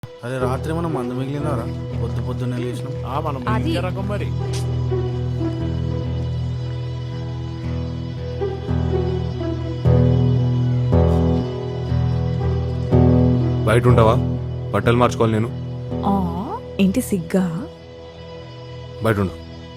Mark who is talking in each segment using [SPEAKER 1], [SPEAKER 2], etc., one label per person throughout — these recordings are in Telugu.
[SPEAKER 1] అరే రాత్రి మనం మందు మిగిలినారా? పొద్దున్నే లేచినాం.
[SPEAKER 2] మనం
[SPEAKER 3] అది-
[SPEAKER 2] ఇంకే రకం మరి.
[SPEAKER 4] బయట ఉంటావా? బట్టలు మార్చుకోవాలి నేను.
[SPEAKER 3] ఆ, ఏంటి సిగ్గా?
[SPEAKER 4] బయట ఉండు.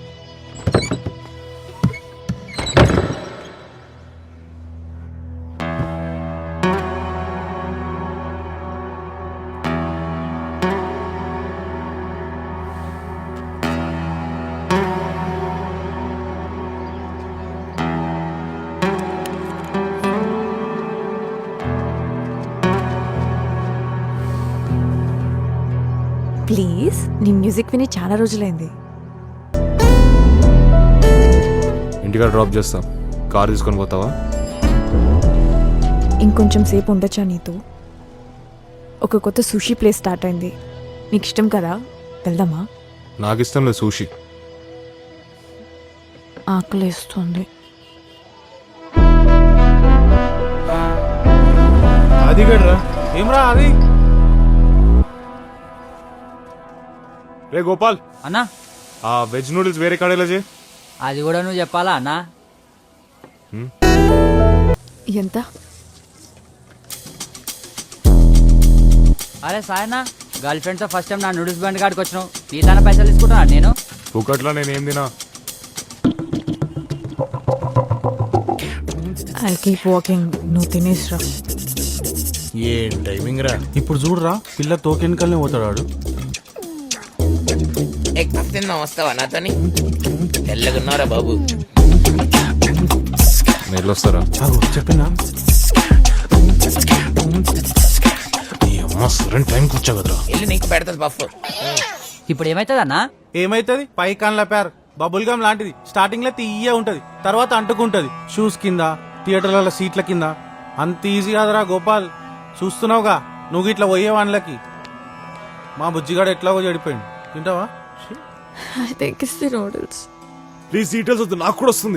[SPEAKER 3] ప్లీజ్, నీ మ్యూజిక్ విని చాలా రోజులైంది.
[SPEAKER 4] ఇంటికాడ డ్రాప్ చేస్తా. కార్ తీసుకొని పోతావా?
[SPEAKER 3] ఇంకొంచెం సేపు ఉండొచ్చా నీతో? ఒక కొత్త సుషీ ప్లేస్ స్టార్ట్ అయింది, నీకు ఇష్టం కదా, వెళ్దామా?
[SPEAKER 4] నాకు ఇష్టం లేదు సూషి.
[SPEAKER 3] ఆకలేస్తుంది.
[SPEAKER 1] అది గడ్రా ఏమ్రా అది?
[SPEAKER 4] రే గోపాల్,
[SPEAKER 5] అన్నా
[SPEAKER 4] ఆ వెజ్ నూడిల్స్ వేరే కాడేలా చేయి.
[SPEAKER 5] అది కూడా నువ్వు చెప్పాలా అన్నా?
[SPEAKER 3] ఎంత?
[SPEAKER 5] అరే సాయనా, గర్ల్ ఫ్రెండ్తో ఫస్ట్ టైం నా నూడిల్స్ బండి కాడికి వచ్చినావు, నీతోనే పైసలు తీసుకుంటున్నా నేను.
[SPEAKER 4] ఒకట్లా నేనేం తినా.
[SPEAKER 3] ఐ కీప్ వాకింగ్, నువ్వు తినేసిరా.
[SPEAKER 1] ఏం టైమింగ్ రా! ఇప్పుడు చూడరా, పిల్ల తోకెనకల్ని పోతాడు.
[SPEAKER 6] ఎగ్ తిన్నా వస్తావా నాతోని? తెల్లగున్నారా బాబు?
[SPEAKER 4] నేను వస్తారా?
[SPEAKER 1] చెప్పినా సరైన టైంకి వచ్చా కదరా.
[SPEAKER 6] వెళ్ళి నీకు పెడతాది పఫ్.
[SPEAKER 5] ఇప్పుడు ఏమవుతుంది అన్నా?
[SPEAKER 1] ఏమైతుంది? పై కాన్ల పేర్ బబుల్ గమ్ లాంటిది. స్టార్టింగ్ లో తీయ ఉంటది, తర్వాత అంటుకుంటది. షూస్ కింద, థియేటర్ల సీట్ల కింద. అంత ఈజీ కాదురా గోపాల్. చూస్తున్నావుగా నువ్వు ఇట్లా పోయే వాళ్ళకి. మా బుజ్జిగాడు ఎట్లాగో చెడిపోయింది. తింటావా?
[SPEAKER 3] I think it's the noodles.
[SPEAKER 4] Please details వద్దు, నాకు కూడా వస్తుంది.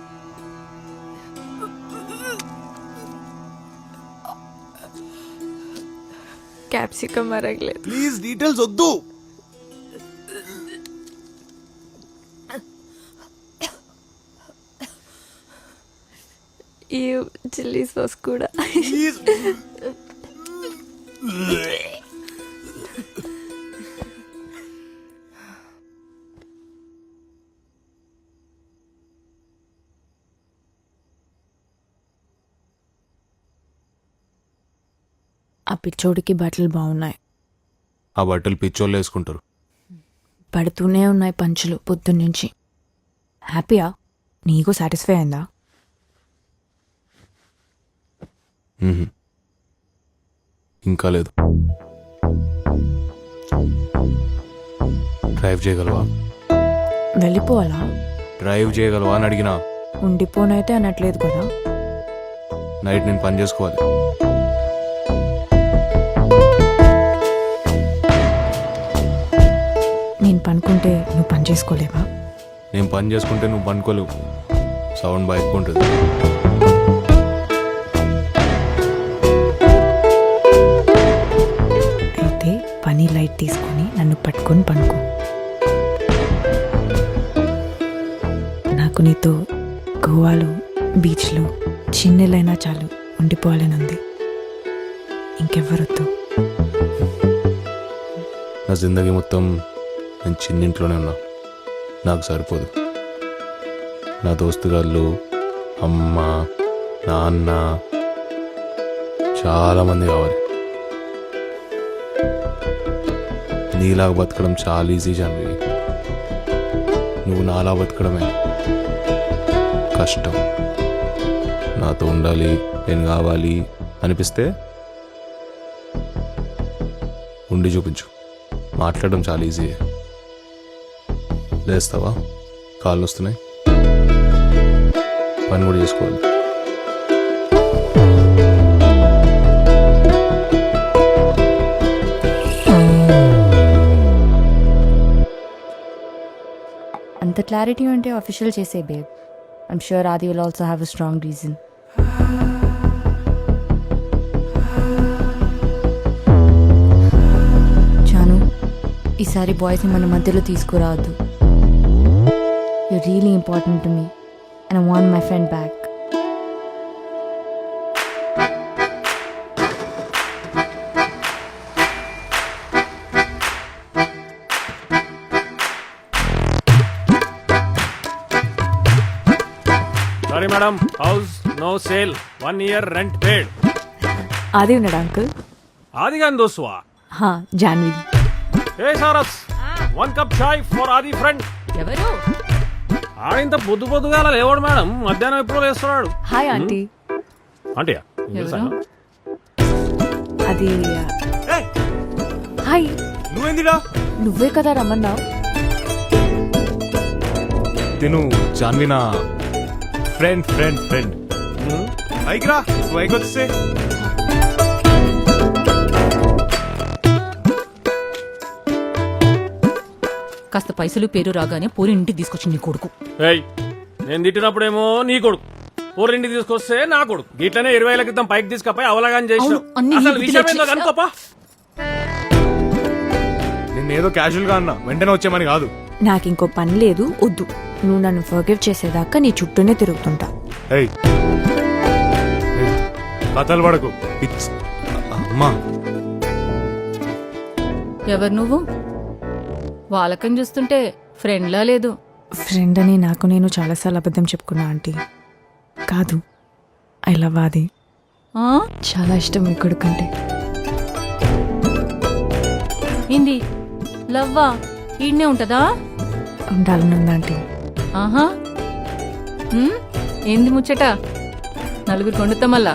[SPEAKER 3] క్యాప్సికమ్ అరగలేదు.
[SPEAKER 4] ప్లీజ్ డీటెయిల్స్ వద్దు.
[SPEAKER 3] ఈ చిల్లీ సాస్ కూడా. ఆ పిచ్చోడికి బట్టలు బాగున్నాయి.
[SPEAKER 4] ఆ బట్టలు పిచ్చోళ్ళు వేసుకుంటారు.
[SPEAKER 3] పడుతూనే ఉన్నాయి పంచులు పొద్దున్నుంచి. హ్యాపీయా? నీకు సాటిస్ఫై అయిందా?
[SPEAKER 4] ఇంకా లేదు. డ్రైవ్ చేయగలవా?
[SPEAKER 3] వెళ్ళిపోవాలా?
[SPEAKER 4] డ్రైవ్ చేయగలవా అని అడిగినా.
[SPEAKER 3] ఉండిపోనైతే అనట్లేదు కదా.
[SPEAKER 4] నైట్ నేను పని చేసుకోవాలి.
[SPEAKER 3] నేను పనుకుంటే నువ్వు పని చేసుకోలేవా?
[SPEAKER 4] నేను పని చేసుకుంటే నువ్వు పనుకోలేవు. సౌండ్ బాగా ఎక్కువ ఉంటుంది.
[SPEAKER 3] అయితే పని లైట్ తీసుకొని నన్ను పట్టుకొని పనుకో. నాకు నీతో గోవాలో బీచ్లో చిన్నెలైనా చాలు ఉండిపోవాలని ఉంది. ఇంకెవ్వరొద్దు.
[SPEAKER 4] నా జిందగీ మొత్తం నేను చిన్నింట్లోనే ఉన్నా. నాకు సరిపోదు. నా దోస్తుగాళ్ళు, అమ్మ, నాన్న, చాలామంది కావాలి. నీలాగా బతకడం చాలా ఈజీ జాన్వి. నువ్వు నాలా బతకడమే కష్టం. నాతో ఉండాలి, నేను కావాలి అనిపిస్తే ఉండి చూపించు. మాట్లాడడం చాలా ఈజీ. లేస్తావా? కాళ్ళు వస్తున్నాయి, పని కూడా చేసుకోవాలి.
[SPEAKER 7] అంత క్లారిటీ ఉంటే అఫీషియల్ చేసే babe. I'm sure Adi will also have a strong reason. ఈసారి బాయ్స్ని మన మధ్యలో తీసుకురావద్దు. You really important to me and I want my friend back.
[SPEAKER 2] Sorry madam, house no sale, 1 year rent paid.
[SPEAKER 3] Adi ఉన్నాడా అంకుల్?
[SPEAKER 2] ఆది గాని దోస్తువా?
[SPEAKER 3] హా, జాన్వి.
[SPEAKER 2] ఏ సారస్, 1 cup chai for Adi friend.
[SPEAKER 7] ఎవరు?
[SPEAKER 2] ఆడింత పొద్దు పొద్దుగా లేవాడు మేడం, మధ్యాహ్నం ఎప్పుడో లేస్తున్నాడు.
[SPEAKER 3] Hi aunty.
[SPEAKER 2] ఆంటీయా?
[SPEAKER 3] అది హాయ్.
[SPEAKER 4] నువ్వేందిడా?
[SPEAKER 3] నువ్వే కదా రమ్మన్నావు.
[SPEAKER 4] తిను జాన్వినా ఫ్రెండ్ ఫ్రెండ్ ఫ్రెండ్. పైకి రా, పైకి వచ్చే.
[SPEAKER 8] కాస్త పైసలు పేరు రాగానే పోరి ఇంటికి తీసుకొచ్చి నీ కొడుకు.
[SPEAKER 2] ఏయ్, నేను తిట్టినప్పుడేమో నీ కొడుకు, ఊరింటికి తీసుకొస్తే నా కొడుకు. ఇట్లనే 20 ఏళ్ల క్రితం పైకి తీసుకపోయి అవలాగాని చేసినావు.
[SPEAKER 8] అవును, అన్ని
[SPEAKER 2] అసలు
[SPEAKER 8] నీ
[SPEAKER 2] విషయం
[SPEAKER 8] బుద్ధిలో
[SPEAKER 2] ఏందో కనుకోపా.
[SPEAKER 4] నిన్నేదో క్యాజువల్ గా అన్నా, వెంటనే వచ్చేమని కాదు.
[SPEAKER 3] నాకు ఇంకో పని లేదు, వద్దు. నువ్వు నన్ను ఫర్గివ్ చేసేదాకా నీ చుట్టూనే తిరుగుతుంటా.
[SPEAKER 4] ఏయ్ ఏయ్, కథలు పడకు. అమ్మా,
[SPEAKER 8] ఎవరు నువ్వు? వాళ్ళకని చూస్తుంటే ఫ్రెండ్లా లేదు.
[SPEAKER 3] ఫ్రెండ్ అని నాకు నేను చాలాసార్లు అబద్ధం చెప్పుకున్నా ఆంటీ. కాదు, ఐ లవ్ ఆది.
[SPEAKER 8] ఆ?
[SPEAKER 3] చాలా ఇష్టం మీ కొడుకంటే.
[SPEAKER 8] ఏంది లవ్వా? ఈడనే ఉంటదా?
[SPEAKER 3] ఉండాలని ఉంది ఆంటీ.
[SPEAKER 8] ఆహా. ఏంది ముచ్చట? నలుగురు కొండుతా మళ్ళా.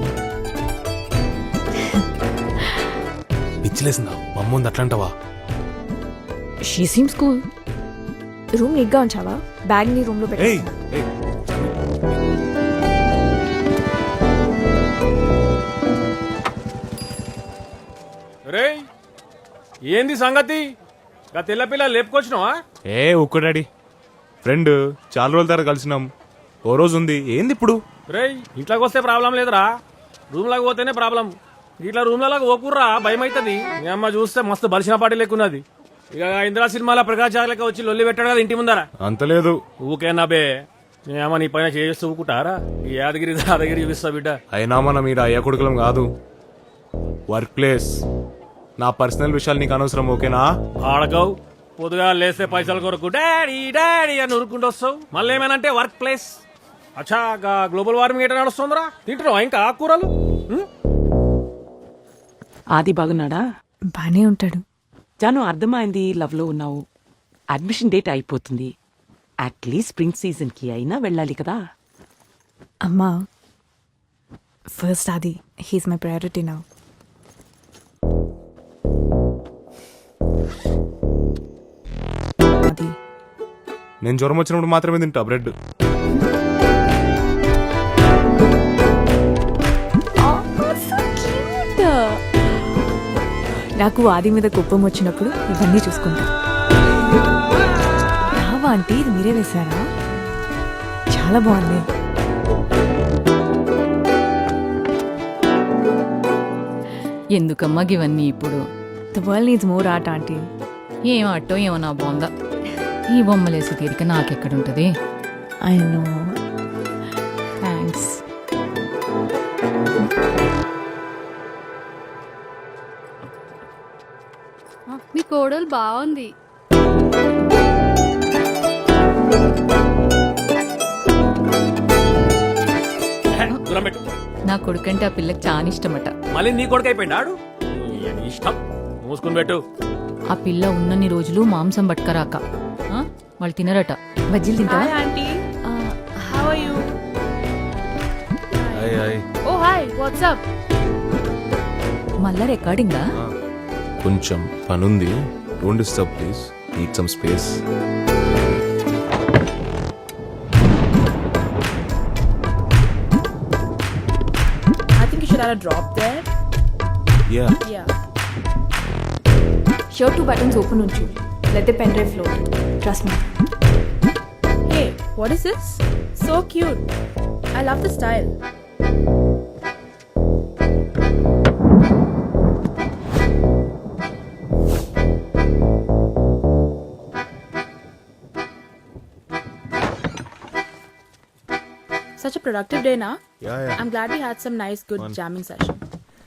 [SPEAKER 4] పిచ్చిలేసిందా? మమ్ముంది అట్లంటావా?
[SPEAKER 3] She seems cool. రూమ్ నీట్గా ఉంచావా? బ్యాగ్ నీ రూమ్ లో
[SPEAKER 4] ఏయ్
[SPEAKER 3] పెట్టేస్తా.
[SPEAKER 4] ఏయ్,
[SPEAKER 2] రేయ్, ఏంది సంగతి? గా తెల్ల పిల్ల లేపుకొచ్చినావా?
[SPEAKER 4] ఏ ఒక్క డాడీ ఫ్రెండ్, చాలా రోజుల తర్వాత కలిసినాం. ఓ రోజు ఉంది, ఏంది ఇప్పుడు?
[SPEAKER 2] రేయ్, ఇట్లాకి వస్తే ప్రాబ్లం లేదురా, రూమ్ లాగా పోతేనే ప్రాబ్లం. ఇట్లా రూమ్ లాగా ఓకుర్రా, భయం అవుతుంది. మీ అమ్మ చూస్తే మస్తు బలిసిన పాటి లెక్కున్నది. ఇక ఇందిరా సినిమాలో ప్రకాష్ జాగ్లకి వచ్చి లొల్లి పెట్టాడు కదా ఇంటి ముందర.
[SPEAKER 4] అంత లేదు.
[SPEAKER 2] ఊకేనా బే, మీ అమ్మ నీ పైన చేస్తూ ఊకుంటారా? ఈ యాదగిరి దాదగిరి చూపిస్తా బిడ్డ.
[SPEAKER 4] అయినా మన మీరు అయ్యా కొడుకులం కాదు. వర్క్ ప్లేస్, నా పర్సనల్ విషయాలు నీకు అనవసరం, ఓకేనా?
[SPEAKER 2] ఆడకవు, పొద్దుగా లేస్తే పైసల కొరకు డాడీ డాడీ అని ఉరుకుంటూ వస్తావు. మళ్ళీ ఏమైనా వర్క్ ప్లేస్. అచ్చా, గ్లోబల్ వార్మింగ్ ఎట్లా నడుస్తుందిరా? తింటున్నావా ఇంకా ఆకుకూరలు?
[SPEAKER 9] ఆది బాగున్నాడా?
[SPEAKER 3] బానే ఉంటాడు.
[SPEAKER 9] జాను, అర్థమైంది లవ్ లో ఉన్నావు. అడ్మిషన్ డేట్ అయిపోతుంది. అట్లీస్ట్ స్ప్రింగ్ సీజన్ కి అయినా వెళ్ళాలి కదా.
[SPEAKER 3] అమ్మా, ఫస్ట్ ఆది, హీస్ మై ప్రయారిటీ నౌ. అది
[SPEAKER 4] నేను జ్వరం వచ్చినప్పుడు మాత్రమే తింటా బ్రెడ్.
[SPEAKER 3] నాకు ఆది మీద కోపం వచ్చినప్పుడు ఇవన్నీ చూసుకుంటా. రావా ఆంటీ, ఇది మీరే వేశారా? చాలా బాగుంది.
[SPEAKER 8] ఎందుకమ్మా ఇవన్నీ ఇప్పుడు?
[SPEAKER 3] The world needs more art aunty.
[SPEAKER 8] ఏం ఆటో ఏమో నా బాగుందా? ఈ బొమ్మలేసి తీరిక నాకెక్కడుంటది?
[SPEAKER 3] I know.
[SPEAKER 8] థ్యాంక్స్.
[SPEAKER 10] మీ కోడలు బాగుంది.
[SPEAKER 2] దూరం పెట్టు.
[SPEAKER 8] నా కొడుకంటే ఆ పిల్లకి చాలా ఇష్టమట.
[SPEAKER 2] మళ్ళీ నీ కొడుకు అయిపోయినాడు. ఇష్టం మూసుకుని పెట్టు.
[SPEAKER 8] ఆ పిల్ల ఉన్నన్ని రోజులు మాంసం పట్టుకరాక వాళ్ళు తినరట.
[SPEAKER 3] బజ్జీలు తింటా.
[SPEAKER 10] Aunty, how are you? Oh hi, what's up?
[SPEAKER 8] మళ్ళా రికార్డింగా?
[SPEAKER 4] కొంచెం పనుంది, don't disturb please, need some space.
[SPEAKER 10] I think you should add a drop there.
[SPEAKER 4] Yeah.
[SPEAKER 10] Yeah.
[SPEAKER 3] Shirt 2 buttons open ఉంచు. Let the pen drive float. Trust me.
[SPEAKER 10] Hey, what is this? So cute. I love the style. Such a productive day, na?
[SPEAKER 4] Yeah, yeah.
[SPEAKER 10] I'm glad we had some nice, good jamming session.